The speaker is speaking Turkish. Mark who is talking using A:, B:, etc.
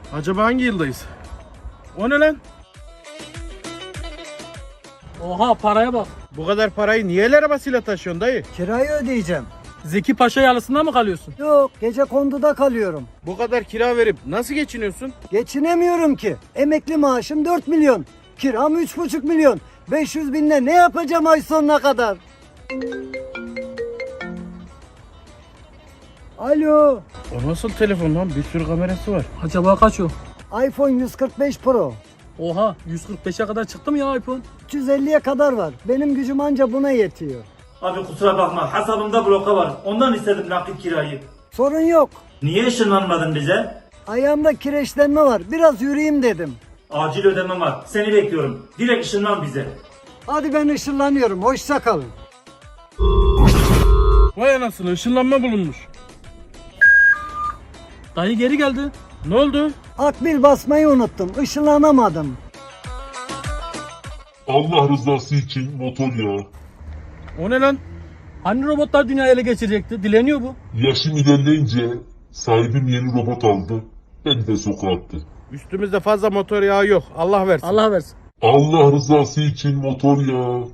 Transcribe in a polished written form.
A: Acaba hangi yıldayız? O ne lan?
B: Oha paraya bak.
A: Bu kadar parayı niye el arabasıyla taşıyorsun dayı?
C: Kirayı ödeyeceğim.
B: Zeki Paşa yalısında mı kalıyorsun?
C: Yok, gece konduda kalıyorum.
A: Bu kadar kira verip nasıl geçiniyorsun?
C: Geçinemiyorum ki. Emekli maaşım 4 milyon. Kiram 3,5 milyon. 500 binle ne yapacağım ay sonuna kadar? Alo.
A: O nasıl telefon lan? Bir sürü kamerası var.
B: Acaba kaç o?
C: iPhone 145 Pro.
B: Oha 145'e kadar çıktı mı ya iPhone?
C: 350'ye kadar var. Benim gücüm anca buna yetiyor.
D: Abi kusura bakma, hesabımda bloka var. Ondan istedim nakit kirayı.
C: Sorun yok.
D: Niye ışınlanmadın bize?
C: Ayağımda kireçlenme var. Biraz yürüyeyim dedim.
D: Acil ödemem var. Seni bekliyorum. Direkt ışınlan bize.
C: Hadi ben ışınlanıyorum. Hoşça kalın.
A: Vay anasını, ışınlanma bulunmuş.
B: Dayı geri geldi.
A: Ne oldu?
C: Akbil basmayı unuttum. Işınlanamadım.
E: Allah rızası için motor ya.
A: O ne lan?
B: Hani robotlar dünyayı ele geçirecekti? Dileniyor bu.
E: Yaşım ilerleyince sahibim yeni robot aldı. Beni de sokağa attı.
A: Üstümüzde fazla motor yağı yok. Allah versin.
B: Allah versin.
E: Allah rızası için motor ya.